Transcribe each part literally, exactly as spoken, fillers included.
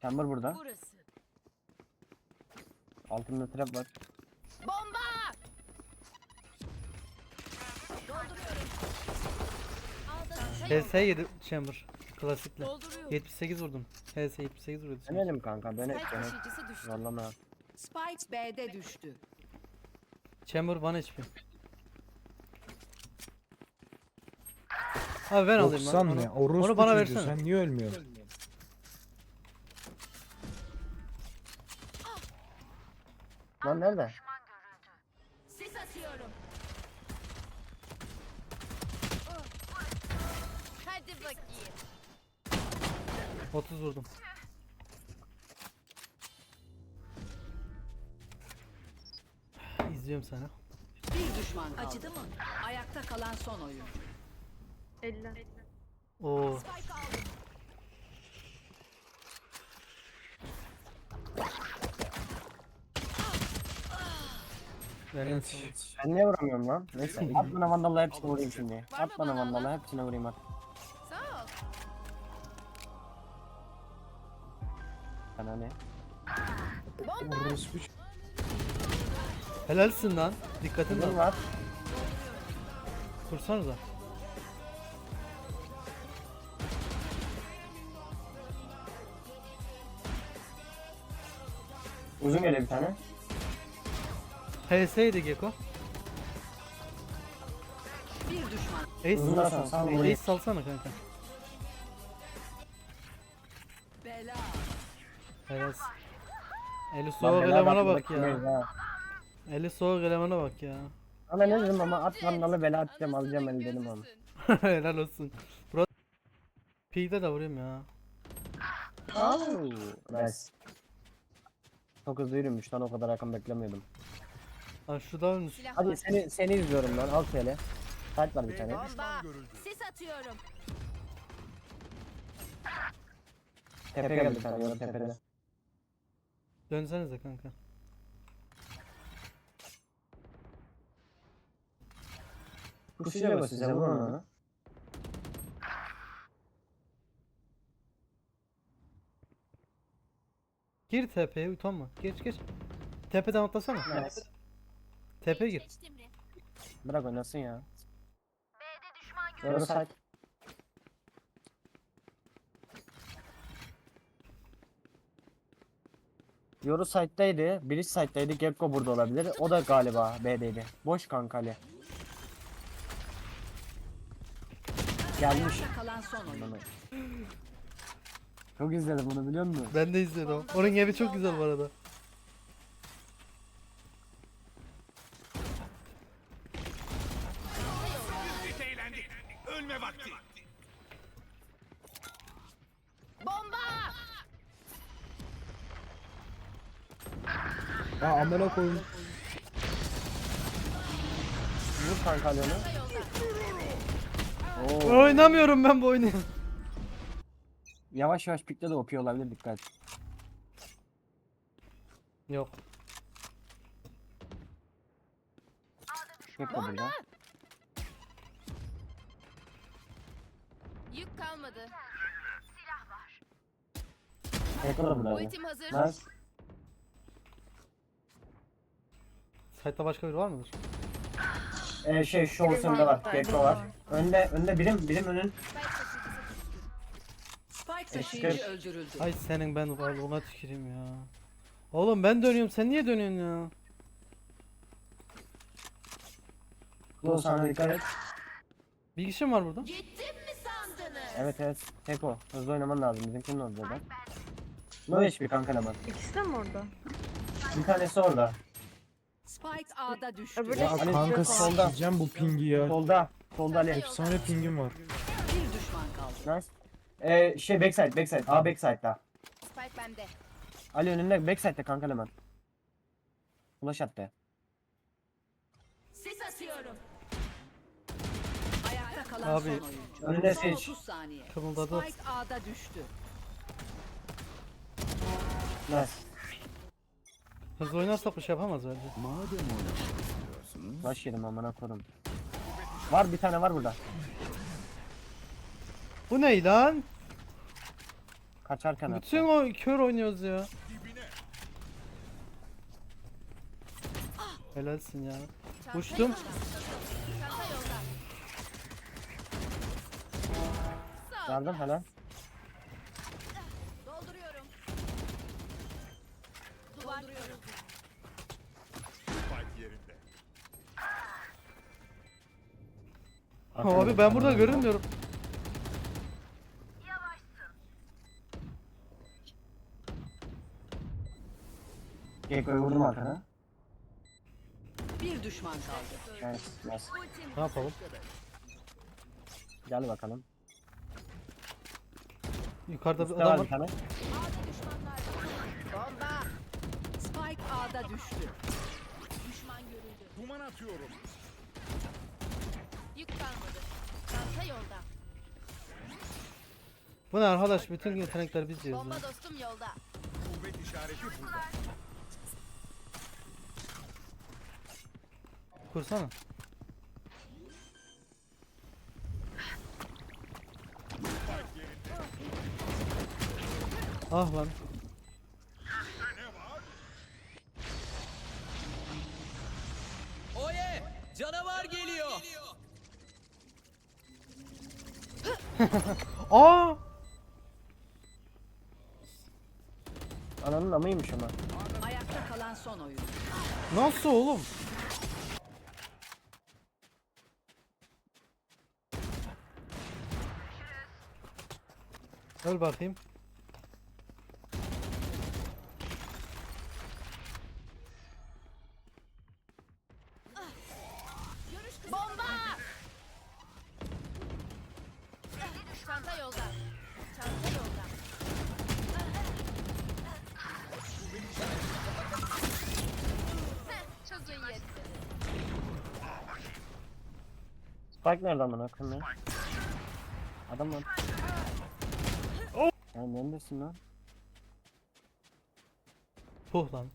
Chamber burada. Burası. Altında trap var. Bomba! Dolduruyorum. Ağda H S yedi chamber. Klasikle. Dolduruyorum. yetmiş sekiz vurdum. H S yetmiş sekiz vurdu. Dönelim kanka dönek Spike dönek. taşıyıcısı düştü. Zorlama. Spike B'de düştü. Chamber bir H P. Abi ben alayım lan. doksan Onu, ne? Orospu onu bana çocuğu, versene. sen niye ölmüyorsun? Lan nerede? Sis atıyorum. Hadi bakayım. otuz vurdum. İzliyorum sana. Bir düşman kaldı. Acıdı mı? Ayakta kalan son oyuncu. elli. Oo. Spike aldım. Ben Evet. Ben niye vuramıyorum lan? Neyse at bana vandalla hepsine vurayım şimdi. At bana vandalla hepsine vurayım at. Sağ ol. Sana ne? Orospu ç- Helalsin lan. Dikkatin Uzun lan. var. Kursanıza. Uzun geliyor bir tane. H S'ydi Gecko. Bir düşman. Ace, Uzundan sonra sağ Ace, vurayım. salsana kanka. Bela. Helal. Eli Lan soğuk bela elemana bak, bak ya. bakayım ha. Eli soğuk elemana bak ya. Ama ne dedim ama at vandalı bela atacağım alacağım el dedim ama. Helal olsun. Bro. P'de de vurayım ya. Nice. Çok hızlı yürümüş lan o kadar rakam beklemiyordum. Lan şu da ölmüş. Silah Hadi var. seni seni izliyorum lan al şöyle. Saat var bir tane. Bomba. Sis atıyorum. Tepe geldi bir tane ya tepede. Dönsenize kanka. Kuşuyla bas size vurun onu. Gir tepeye utanma. Geç geç. Tepeden atlasana. Evet. Tepe gir. Geçtim mi? Bırak oynasın ya. Doğru saat. Yoru site'daydı, Bridge site'daydı, Gekko burada olabilir. O da galiba B'deydi. Boş kanka Ali. Gelmiş. Ayakta kalan son oyuncu. Çok izledim bunu biliyor musun? Ben de izledim. Onun evi çok güzel bu arada. Bomba! Ya amına koyayım. Vur kanka Ali onu. Oo. Oynamıyorum ben bu oyunu. Yavaş yavaş pikle de okuyor olabilir dikkat. Yok. Gekko burada. Yük kalmadı. Gekko da burada. Ultim hazır. Nice. Site'da başka biri var mıdır? Ee, şey şu olsunda var. Gekko var. Önde önde birim birim önün. Spike taşıyıcı Eşkıya- öldürüldü. Ay senin ben varlığına tüküreyim ya. Oğlum ben dönüyorum sen niye dönüyorsun ya? Bu sana dikkat et. Bir kişi mi var burada? Gittim mi sandınız? Evet evet. Gekko. Hızlı oynaman lazım. Bizimkinin orada da. No H P kanka hemen. İkisi de mi orada? Bir tanesi orada. Spike A'da düştü. Öbürü Ya Ali, kanka solda. sikeceğim bu pingi ya. Solda. Solda Ali. Efsane pingim var. Bir düşman kaldı. Nice. Ee, şey backside backside. A backside'da. Spike bende. Ali önünde backside'da kanka hemen. Flash attı. Sis atıyorum. Ayakta kalan Abi, son oyuncu. önüne Son seç. otuz saniye. Kımıldadı. Spike A'da düştü. Nice. Hızlı oynarsak bir şey yapamaz bence. Flash yedim amına koydum. Var bir tane var burada. Bu ne lan? Kaçarken attı. Bütün o kör oynuyoruz ya. Helalsin ya. Çanta Uçtum. yolda. Çanta yolda. Sağ ol. Yardım helal. Dolduruyorum. Duvar kuruyorum. Abi ben burada görünmüyorum. Gekko'yu vurdum arkana. Bir düşman kaldı. Nice, nice. Ne yapalım? Gel bakalım. Yukarıda bir Üstte adam var var. bir tane. A'da düşmanlar var. Bomba. Spike A'da düştü. Düşman görüldü. Duman atıyorum. Yük kalmadı. Çanta yolda. Bu ne arkadaş? Bütün yetenekler biz diyoruz. Bomba ya. dostum yolda. Kuvvet işareti burada. Kursana. Ah lan. Oye! Canavar geliyor. Aa! Ananın amıymış ama. Ayakta kalan son oyun. Nasıl oğlum? Öl bakayım. Bomba. Çanta yolda. Çanta yolda. Heh, çok iyi yetti. Spike nereden bana bakın ya? Adam var. Ya neredesin lan? Puh lan.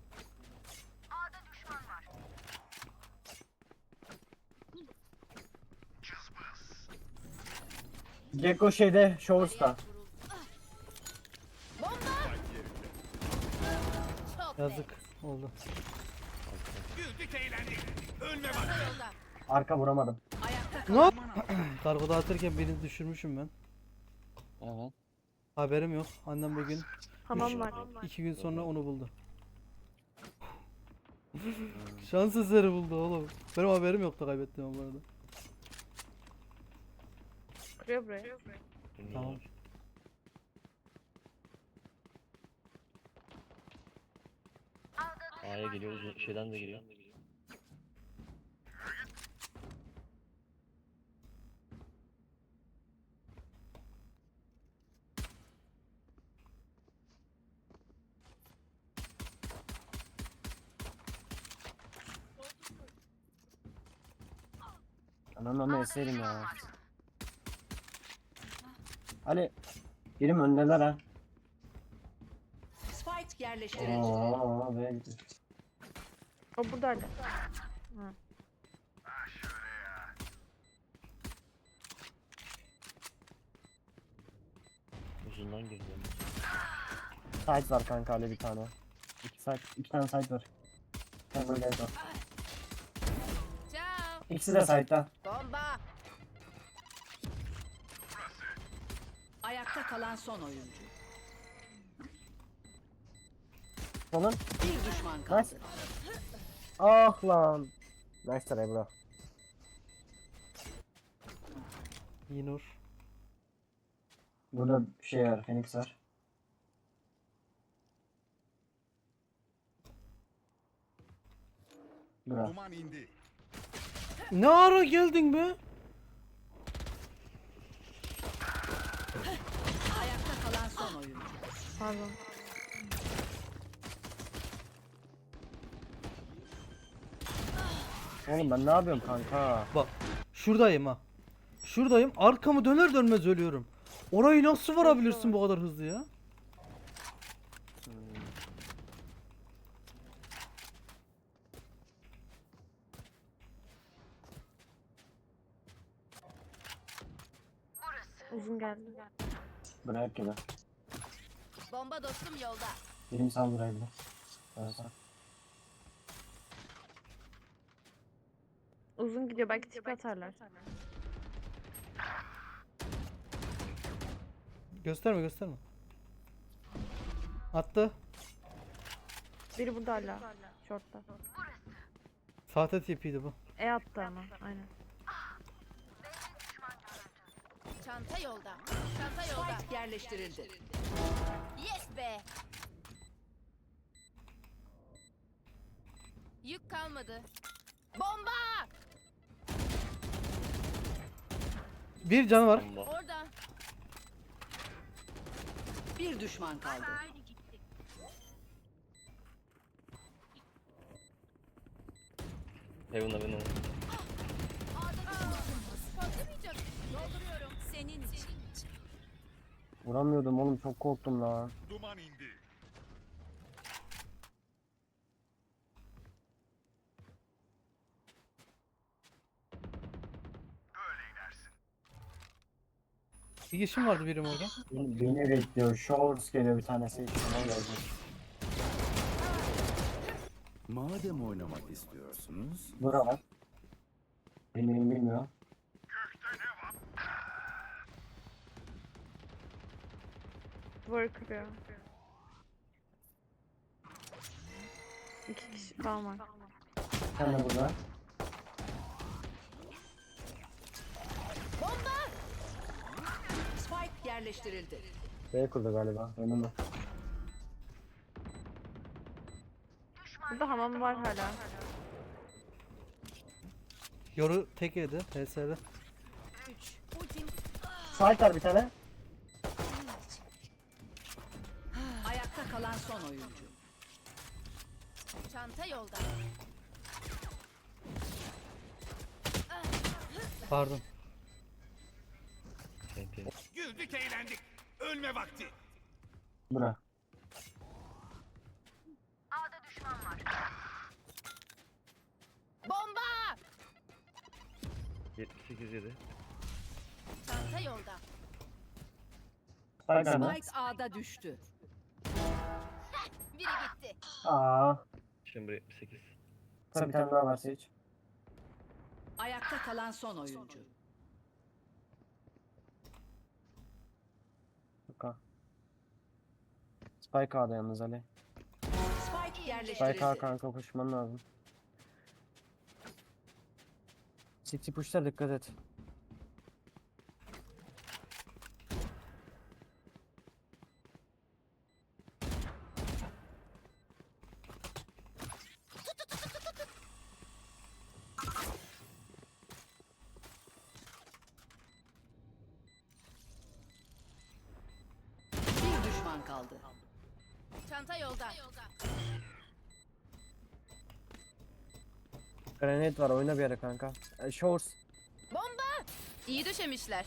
Gekko şeyde, Showers'ta. Bomba. Çok Yazık oldu. Güldük eğlendik. Ölme Çanta bak. yolda. Arka vuramadım. Ayakta Ne? kalan Kargo dağıtırken birini düşürmüşüm ben. Evet. Haberim yok. Annem bugün Hamam var. iki gün sonra onu buldu. Şans eseri buldu oğlum. Benim haberim yoktu kaybettiğim bu arada. Kırıyor buraya. Tamam. A'ya geliyor, uzun şeyden de geliyor. Ananın amı eserim ya. Ali. Birim öndeler ha. Spike yerleştirildi. Aa, be gidiyor. O buradaydı. Uzundan girdi. Site var kanka Ali bir tane. İki site, iki tane site var. Sen böyle gel bak. Ciao. İkisi de site'da. Bomba. Ayakta kalan son oyuncu. Onun. Bir düşman kaldı. Nice. Ah lan. Nice try bro. Yinur. Burada şey var, Phoenix var. Bura. Duman indi. Ne ara geldin be? Ayakta kalan son oyuncu. Pardon. Oğlum ben ne yapıyorum kanka? Bak. Şuradayım ha. Şuradayım. Arkamı döner dönmez ölüyorum. Orayı nasıl varabilirsin bu kadar hızlı ya? Uzun geldi. Bırak gibi. Bomba dostum yolda. Birim sal buraya bir de. Evet, sal. Uzun gidiyor belki tip atarlar. Gösterme gösterme. Attı. Biri burada hala. Short'ta. Sahte T P'ydi bu. E attı ama aynen. Çanta yolda. Çanta yolda. Spike yerleştirildi. Yes be. Yük kalmadı. Bomba! Bir canı var. Bomba. Orada. Bir düşman kaldı. Heaven'da benim. Patlamayacak. Dolduruyorum. Senin için. Vuramıyordum oğlum, çok korktum la. Duman indi. Bir kişim vardı birim orada. Beni, beni bekliyor. Shorts geliyor bir tanesi. İçine geldi. Madem oynamak istiyorsunuz, Bura var. Benim bilmiyor. Duvarı kırıyor. İki kişi kalmadı. Sen de burada. Spike yerleştirildi. B kurdu galiba. Önümde. Burada hamam var hala. Yoru tek yedi. H S'de. Ultim. Sahip var bir tane. Ayakta kalan son oyuncu. Çanta yolda. Pardon. T P. Güldük eğlendik. Ölme vakti. Bura. Bomba! yetmiş sekiz yedi. Çanta yolda. Sahip nerede? Spike A'da düştü. Biri gitti. Aa. Chamber yetmiş sekiz. Burada bir tane daha var Sage. Ayakta kalan son oyuncu. Yuka. Spike A'da yalnız Ali. Spike Spike A yerleştirildi. kanka, koşman lazım. City push'lar, dikkat et. Bir düşman kaldı. Çanta yolda. Granate var, oyna bir yere kanka. E, Shorts. Bomba! İyi döşemişler.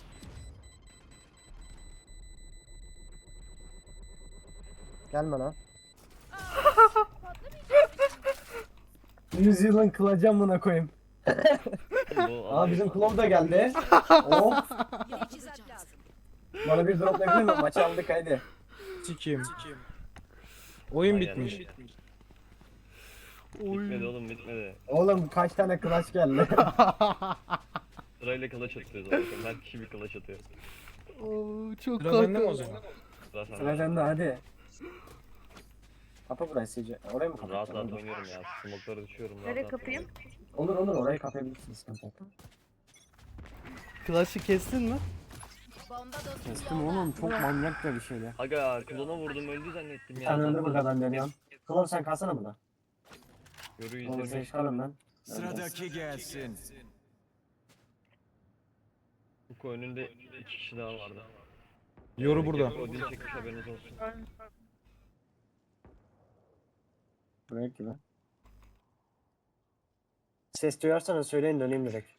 Gelme lan. New Zealand kılacağım buna koyayım. Bu Aa, bizim Klov da geldi. Oh. Teçhizat lazım. Bana bir drop verir mi? Maçı aldık haydi. Sikiyim. Oyun Aynen. bitmiş. Bitmedi oğlum, bitmedi. Oğlum kaç tane clutch geldi. Sırayla kılıç atıyoruz zaten. Her kişi bir kılıç atıyor. Oo, çok Sıra bende mi o korktum. zaman? Sıra sende. Sıra sende hadi. Kapa burayı Sage. Oraya mı Rahat kapatacaksın? rahat Olur. oynuyorum ya. Smoke'ları düşüyorum. rahat Nereye rahat kapayım? oynuyorum. Olur olur, orayı kapayabilirsin, sıkıntı yok. Clash'ı kestin mi? Bomba dostum Kestim yolda. oğlum, çok manyakça bir şeydi. Aga klona vurdum, öldü zannettim Bir ya. tane öldü burada, ben dönüyorum. Klov sen kalsana burada. Yoru Olur, yüzde Sage kalın ben. Sıradaki gelsin. Bu önünde iki kişi daha vardı. Yoru burada. O dil çekmiş, haberiniz olsun. Buraya gibi. Ses duyarsanız söyleyin, döneyim direkt.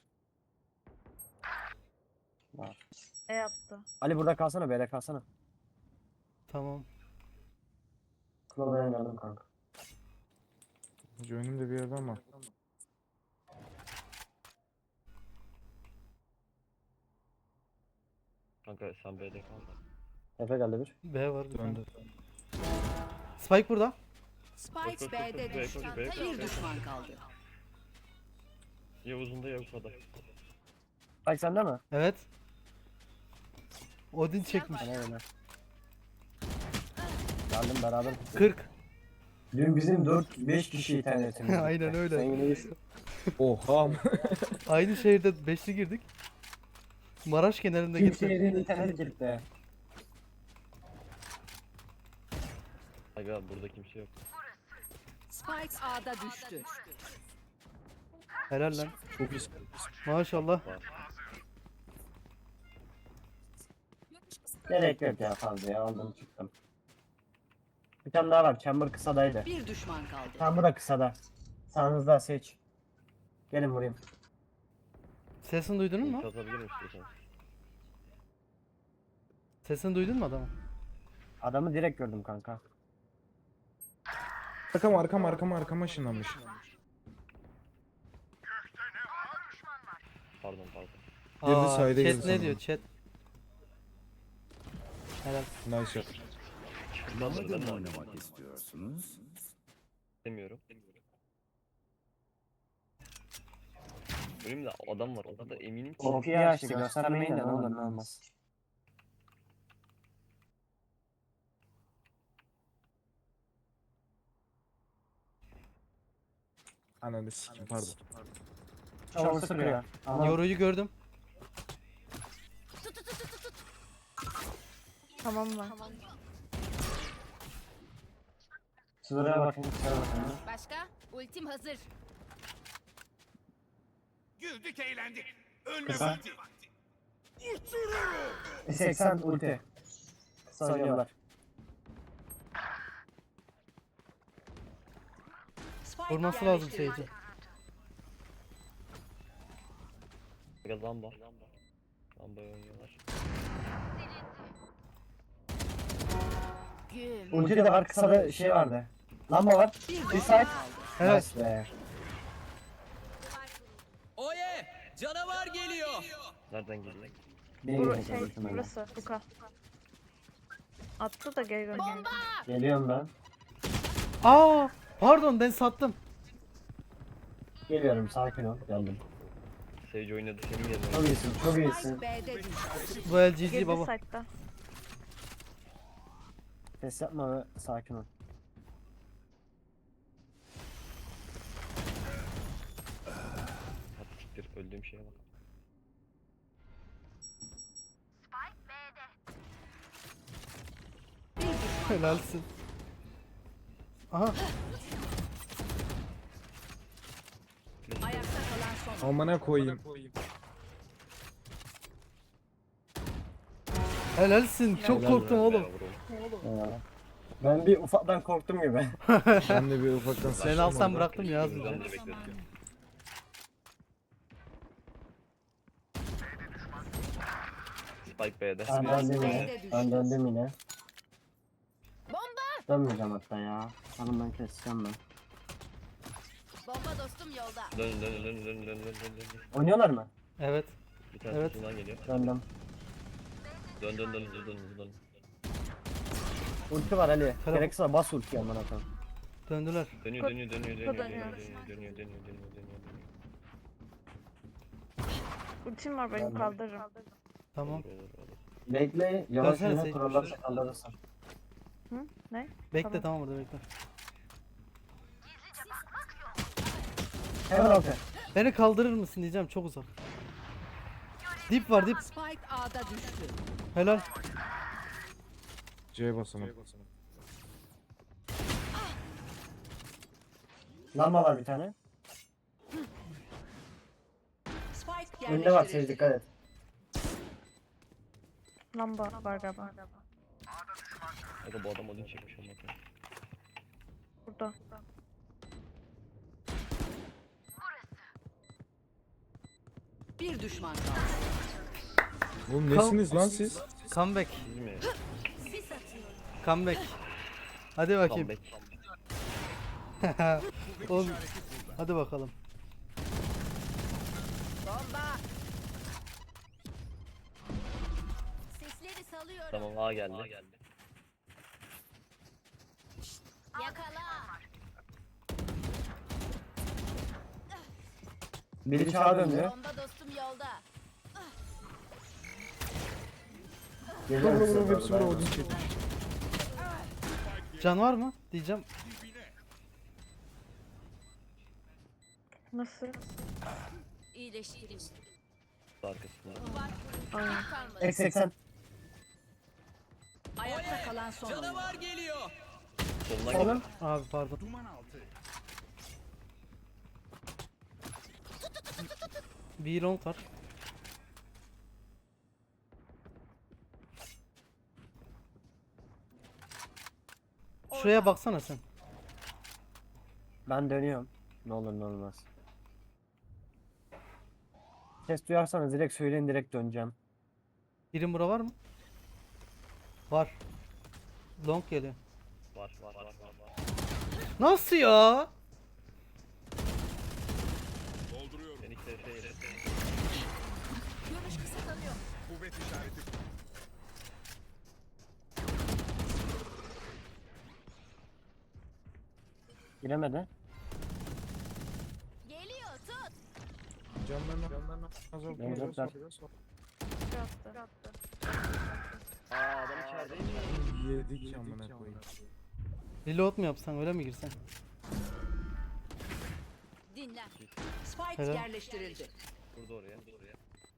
Var. E attı. Ali burada kalsana, B'de kalsana. Tamam. Klov'a geldim kanka. Hacı önümde bir yerde ama. Kanka sen B'de kal. Efe geldi bir. B var bir tane. Döndü. Spike burada. Spike B'de düştü. Çanta Bir yolda. düşman kaldı. Yavuz'un da Yavuz'da. Bak sende mi? Evet. Odin çekmiş. Bana öyle. Geldim beraber. kırk. Dün bizim dört beş kişi internetimiz. Aynen öyle. Sen yine iyisin. Oha. Aynı şehirde beşli girdik. Maraş kenarında Kim gitti. şehrin internet gitti. Aga burada kimse yok. Spike A'da düştü. Helal lan. Çok iyi. Maşallah. Gerek yok ya fazla ya aldım çıktım. Bir tane daha var. Chamber kısadaydı. Bir düşman kaldı. Chamber da kısada. Sağınızda seç. Gelin vurayım. Sesini duydun mu? Kazabilir misin istiyorsan? Sesini duydun mu adamı? Adamı direkt gördüm kanka. Arkam arkam arkam arkama ışınlanmış. Pardon pardon. Girdi, Aa, sayda chat girdi ne sanırım. diyor chat? Helal. Nice shot. Madem oynamak istiyorsunuz, Demiyorum. Önümde adam var o kadar eminim ki. O P açtı göstermeyin de ne olur ne olmaz. Ananı sikim pardon. Çavur sıkıyor. Ama Yoruyu gördüm. Tamam var. sınırına bakın. Sınırına bakın. Başka? Ultim hazır. Güldük eğlendik. Ölme Kısa. vakti. seksen ulti. Sanıyorlar. Spike Vurması lazım yerleştirildi. Sage'i. Aga lamba. Lamba oynuyorlar. Güm. Ulti de var kısada şey vardı. Lamba var. Bir Bir düşman side. kaldı. Evet. Nice be. Oye! Canavar geliyor. Nereden geliyor? Benim Bur için şey ultim öyle. burası. Luka. Attı da geri gönderdi. Geliyorum ben. Aa, pardon ben sattım. Geliyorum sakin ol. Geldim. Sage oynadı senin yerine. Çok iyisin çok iyisin. Spike B'de düştü. Bu el G G Girdi baba. site'da. Ses yapma ve sakin ol. Hadi siktir öldüğüm şeye bak. Bir düşman. Helalsin. Aha. Ayakta kalan son. Amına koyayım. Helalsin. Çok Helal korktum be. oğlum. Ya. Ben bir ufaktan korktum gibi. Ben de bir ufaktan Sen alsan bıraktım ya az Ben önce. de beklettim. Spike B'de. Ben döndüm yine. B'de düştü. Ben döndüm yine. Bomba! Dönmeyeceğim hatta ya. Sanırım ben keseceğim ben. Bomba dostum yolda. Dön dön dön dön dön dön dön dön. Oynuyorlar mı? Evet. Bir tane Evet. evet. geliyor. Döndüm. Dön dön dön dön dön dön. Ulti var Ali. Tamam. Gerekirse bas ultiyi amına koyayım. Döndüler. Dönüyor dönüyor dönüyor dönüyor dönüyor dönüyor. dönüyor dönüyor dönüyor dönüyor dönüyor. Ultim var benim Ben de. kaldırırım. Tamam. Olur, olur, olur. Bekle. Yavaş Dönsene yine Sage. kurallarsa kaldırırsın. Hı? Ne? Bekle Tamam. tamam burada bekle. Hemen altı. Beni kaldırır mısın diyeceğim çok uzak. Dip var dip. Spike A'da düştü. Helal. C'ye basalım. Lamba var bir tane. Spike Önünde var Sage yerleştirildi. dikkat et. Lamba var galiba. Aga bu adam odun çekmiş ama. Burada. Bir düşman kaldı. Oğlum nesiniz lan siz? Comeback. Siz mi? Comeback. Hadi bakayım. Comeback. Oğlum. Hadi bakalım. Bomba! Sesleri salıyorum. Tamam A geldi. Yakala. Biri çağa döndü. Bomba dostum yolda. Geliyorum Vur size vur vur hepsi doğru, vur dayanın. Odin çekmiş. Can var mı? Diyeceğim. Nasıl? İyileştirin. Arkasında. Aynen. Kalmadı. Eksi seksen. Ayakta kalan son oyuncu. Canavar geliyor. Soluna Solun. gel. Abi pardon. Bir long var. Şuraya baksana sen. Ben dönüyorum. Ne olur ne olmaz. Ses duyarsanız direkt söyleyin, direkt döneceğim. Birim bura var mı? Var. Long geliyor. Var var var var. var. Nasıl ya? Enişte şey yedi. Görüş kısıtlanıyor. Kuvvet işareti. Giremedi. Geliyor tut. Canlarına canlarına azalt Ben azalt, zaten- azalt. Yattı. Yattı. Aa adam içerideymiş. Yedik amına koyayım. Reload mu yapsan, öyle mi girsen? Dinlen. Spike Helal. yerleştirildi. Burada oraya. Burada oraya.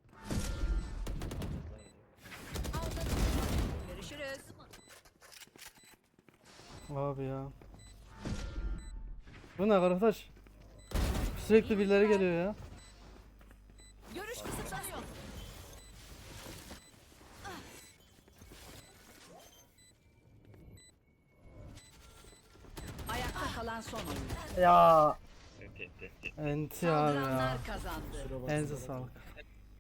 Görüşürüz. Abi ya. Bu ne arkadaş? Sürekli birileri geliyor ya. Görüş kısıtlanıyor. Ayakta kalan son oyuncu. Ya Enti enti enti. Enti abi ya. Saldıranlar kazandı. Elinize sağlık.